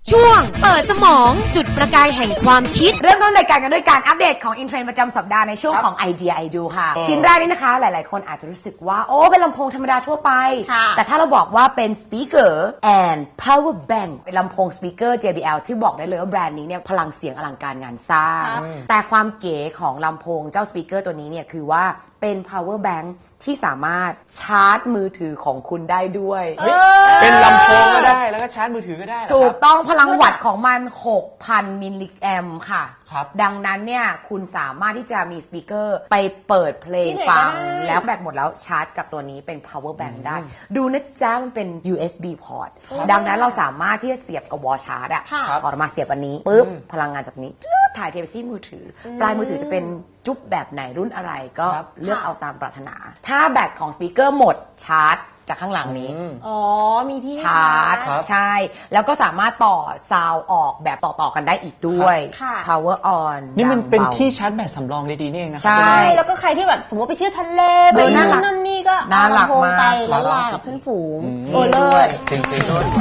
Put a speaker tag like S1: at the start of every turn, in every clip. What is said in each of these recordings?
S1: ช่วงเปิดสมองจุดประกายแห่งความคิด
S2: เริ่มต้นรายการกันด้วยการอัปเดตของอินเทรนด์ประจำสัปดาห์ในช่วงของไอเดียไอดูค่ะชิ้นแรกนี่นะคะหลายๆคนอาจจะรู้สึกว่าโอ้เป็นลำโพงธรรมดาทั่วไปแต่ถ้าเราบอกว่าเป็น speaker and power bank เป็นลำโพง speaker JBL ที่บอกได้เลยว่าแบรนด์นี้เนี่ยพลังเสียงอลังการงานสร้างแต่ความเก๋ของลำโพงเจ้า speaker ตัวนี้เนี่ยคือว่าเป็น power bank ที่สามารถชาร์จมือถือของคุณได้ด้วย
S3: เป็นลำโพงก็ได้แล้วก็ชาร์จมือถือก็ได้
S2: ถูกต้องพลังวัตต์ของมัน 6,000 มิลลิแอมป์ค่ะดังนั้นเนี่ยคุณสามารถที่จะมีสปีกเกอร์ไปเปิดเพลงฟังแล้วแบตหมดแล้วชาร์จกับตัวนี้เป็น power bank ได้ดูนะจ๊ะมันเป็น USB port ดังนั้นเราสามารถที่จะเสียบกับวอลชาร์จอะถอดออกมาเสียบอันนี้ปุ๊บพลังงานจากนี้ถ่ายเทไปที่มือถือปลายมือถือจะเป็นจุ๊บแบบไหนรุ่นอะไรก็เลือกเอาตามปรารถนาถ้าแบตของสปีกเกอร์หมดชาร์จจากข้างหลังนี้
S1: มีที่
S2: ชาร์จใช่แล้วก็สามารถต่อซาวออกแบบต่อกันได้อีกด้วย power on
S3: นี่มันเป็นที่ชาร์จแบตสำรองดีๆนี่เองนะ
S1: ใช่แล้วก็ใครที่แบบสมมติไปเที่ยวทะเลไปนั่นนี่ก็เอาลำโพงไปแล้วลากับเพื่อนฝูงโอ้เลิศ
S3: จริงๆด้วย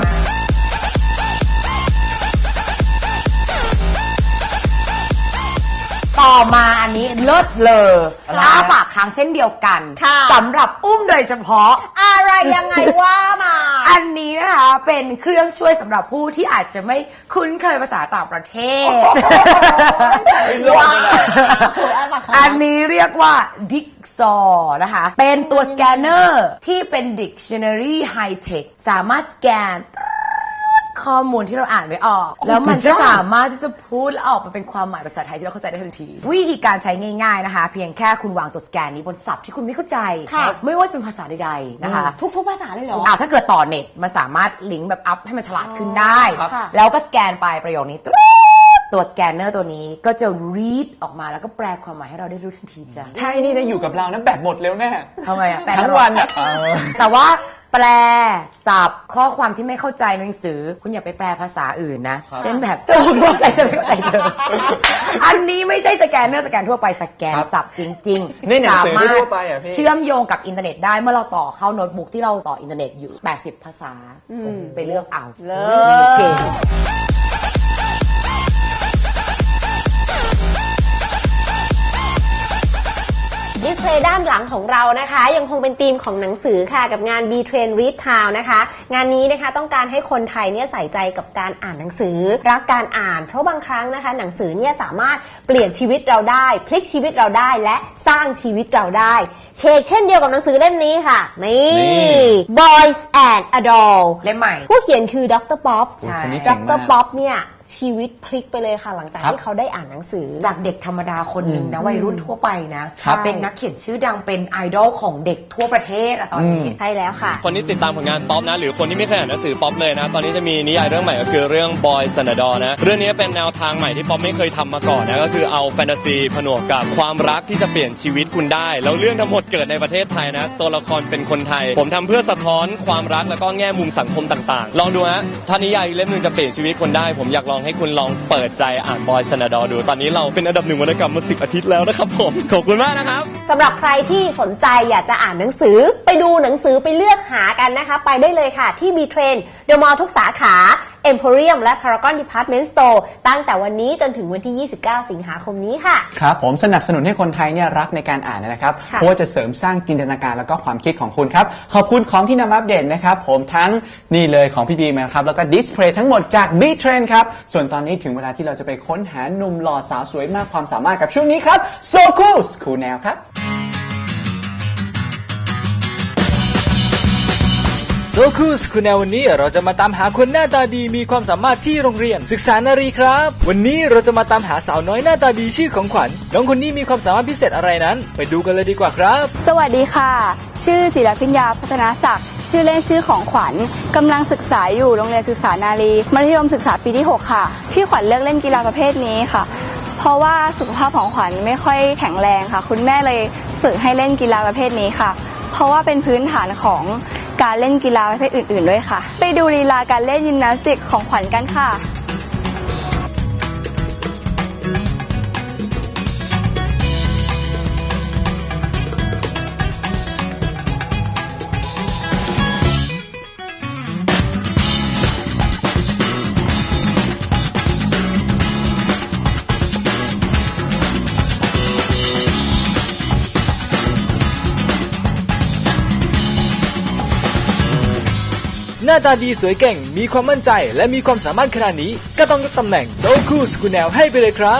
S2: ต่อมาอันนี้เลิศเลยอ้าปากค้างเช่นเดียวกันสำหรับอุ้มโดยเฉพาะ
S1: อะไรยังไงว่ามา
S2: อันนี้นะคะเป็นเครื่องช่วยสำหรับผู้ที่อาจจะไม่คุ้นเคยภาษาต่างประเทศอันนี้เรียกว่า Dixor นะคะเป็นตัวสแกนเนอร์ที่เป็น Dictionary High Tech สามารถสแกนข้อมูลที่เราอ่านไม่ออกแล้วมันจะสามารถที่จะพูดและออกมาเป็นความหมายภาษาไทยที่เราเข้าใจได้ทันทีวิธีการใช้ง่ายๆนะคะเพียงแค่คุณวางตัวสแกนนี้บนศัพท์ที่คุณไม่เข้าใจไม่ว่าจะเป็นภาษาใดๆนะคะ
S1: ทุกภาษาเลยเหรอ
S2: ถ้าเกิดต่อเน็ตมันสามารถลิงก์แบบอัพให้มันฉลาดขึ้นได้แล้วก็สแกนไปประโยคนี้ตัวสแกนเนอร์ตัวนี้ก็จะ read ออกมาแล้วก็แปลความหมายให้เราได้รู้ทันทีจ้ะ
S3: ถ้าไอ้นี่ได้อยู่กับเรานะแบตหมดเร็วแน่
S2: ทำไมอ่ะ
S3: ทั้งวันอ่ะ
S2: แต่ว่าแปลศัพท์ข้อความที่ไม่เข้าใจในหนังสือคุณอย่าไปแปลภาษาอื่นนะเช่นแบบตัวพวกอะไรจะไม่เข้าใจเลยอันนี้ไม่ใช่สแกนเนอร์สแกนทั่วไปสแกนศัพท์จริง
S3: ๆสามารถ
S2: เชื่อมโยงกับอินเทอร์เน็ตได้เมื่อเราต่อเข้าโน้ตบุ๊กที่เราต่ออินเทอร์เน็ตอยู่80ภาษาไปเลือกเอาเก่ง
S1: ดิสเพลย์ด้านหลังของเรานะคะยังคงเป็นธีมของหนังสือค่ะกับงาน B-Train Read Town นะคะงานนี้นะคะต้องการให้คนไทยเนี่ยใส่ใจกับการอ่านหนังสือรักการอ่านเพราะบางครั้งนะคะหนังสือเนี่ยสามารถเปลี่ยนชีวิตเราได้พลิกชีวิตเราได้และสร้างชีวิตเราได้เช่นเดียวกับหนังสือเล่มนี้ค่ะนี่ Boys and Adult
S2: เล่มใหม่
S1: ผู้เขียนคือดร.ป๊อปดร.ป๊อปเนี่ยชีวิตพลิกไปเลยค่ะหลังจากที่เขาได้อ่านหนังสือ
S2: จากเด็กธรรมดาคนหนึ่งนะวัยรุ่นทั่วไปนะเป็นนักเขียนชื่อดังเป็นไอดอลของเด็กทั่วประเทศตอนนี้
S1: ใช่แล้วค่ะ
S4: คนที่ติดตามผลงานป๊อปนะหรือคนที่ไม่เคยอ่านหนังสือป๊อปเลยนะตอนนี้จะมีนิยายเรื่องใหม่ก็คือเรื่อง Boys and Adult นะเรื่องนี้เป็นแนวทางใหม่ที่ป๊อปไม่เคยทำมาก่อนนะก็คือเอาแฟนตาซีผนวกกับความรักที่จะเปลี่ยนชีวิตคุณได้แล้วเรื่องทั้งหมดเกิดในประเทศไทยนะตัวละครเป็นคนไทยผมทำเพื่อสะท้อนความรักแล้วก็แง่มุมสังคมต่างๆลองดูฮะถ้านิยายเล่มนึงจะเปลี่ยนชีวิตคนได้ผมอยากลองให้คุณลองเปิดใจอ่าน Boys and Adult ดูตอนนี้เราเป็นอันดับ1วรรณกรรมมา10 อาทิตย์แล้วนะครับผมขอบคุณมากนะครับ
S1: สำหรับใครที่สนใจอยากจะอ่านหนังสือไปดูหนังสือไปเลือกหากันนะคะไปได้เลยค่ะที่ B-Train เดอะมอลล์ทุกสาขา Emporium และ Paragon Department Store ตั้งแต่วันนี้จนถึงวันที่29สิงหาคมนี้ค่ะ
S3: ครับผมสนับสนุนให้คนไทยเนี่ยรักในการอ่านนะครับเพราะว่าจะเสริมสร้างจินตนาการแล้วก็ความคิดของคุณครับขอบคุณของที่นำมาอัปเดตนะครับผมทั้งนี่เลยของพี่บีมนะครับแล้วก็ดิสเพลย์ทั้งหมดจาก B-Train ครับส่วนตอนนี้ถึงเวลาที่เราจะไปค้นหาหนุ่มหล่อสาวสวยมากความสามารถกับช่วงนี้ครับ So Cool คูลแนวครับ
S5: โซคูสคุณแนววันนี้เราจะมาตามหาคนหน้าตาดีมีความสามารถที่โรงเรียนศึกษานารีครับวันนี้เราจะมาตามหาสาวน้อยหน้าตาดีชื่อของขวัญน้องคนนี้มีความสามารถพิเศษอะไรนั้นไปดูกันเลยดีกว่าครับ
S6: สวัสดีค่ะชื่อจิรพิญญาพัฒนาศักดิ์ชื่อเล่นชื่อของขวัญกำลังศึกษาอยู่โรงเรียนศึกษานารีมัธยมศึกษาปีที่6ค่ะที่ขวัญเลือกเล่นกีฬาประเภทนี้ค่ะเพราะว่าสุขภาพของขวัญไม่ค่อยแข็งแรงค่ะคุณแม่เลยฝึกให้เล่นกีฬาประเภทนี้ค่ะเพราะว่าเป็นพื้นฐานของการเล่นกีฬาประเภทอื่นๆด้วยค่ะไปดูลีลาการเล่นยิมนาสติกของขวัญกันค่ะ
S5: สน้าตาดีสวยเก่งมีความมั่นใจและมีความสามารถขนาดนี้ก็ต้องยกตำแหน่งโดคูสกุแนลให้ไปเลยครับ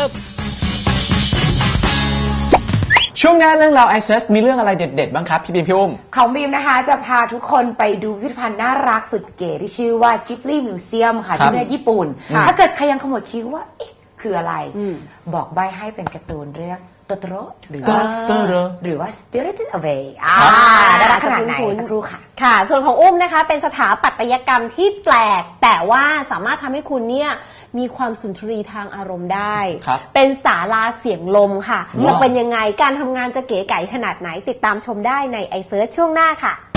S3: ช่วงหน้าเรื่องราว iSearch มีเรื่องอะไรเด็ดๆบ้างครับพี่บีมพี่อุ้ม
S2: ของบีมนะคะจะพาทุกคนไปดูพิพิธภัณฑ์น่ารักสุดเก๋ที่ชื่อว่า Ghibli Museum ค่ะ
S3: ครับ
S2: ที่ประเทศญี่ปุ่น ถ้าเกิดใครยังขมวดคิ้วว่าเอ๊ะคืออะไร บอกใบให้เป็นการ์ตูนเรื่องโตโตโร่หรือว่า
S3: Totoro
S2: หรือว่า Spirited Away น่ารักขนาดไหนสักครู่ค่ะ
S1: ค่ะ ส่วนของอุ้มนะคะเป็นสถาปัตยกรรมที่แปลก แต่ว่าสามารถทำให้คุณเนี่ยมีความสุนทรีทางอารมณ์ได้
S3: ครับ
S1: เป็นศาลาเสียงลมค่ะ
S3: ว้าว
S1: จะเป็นยังไงการทำงานจะเก๋ไก๋ขนาดไหนติดตามชมได้ใน iSearch ช่วงหน้าค่ะ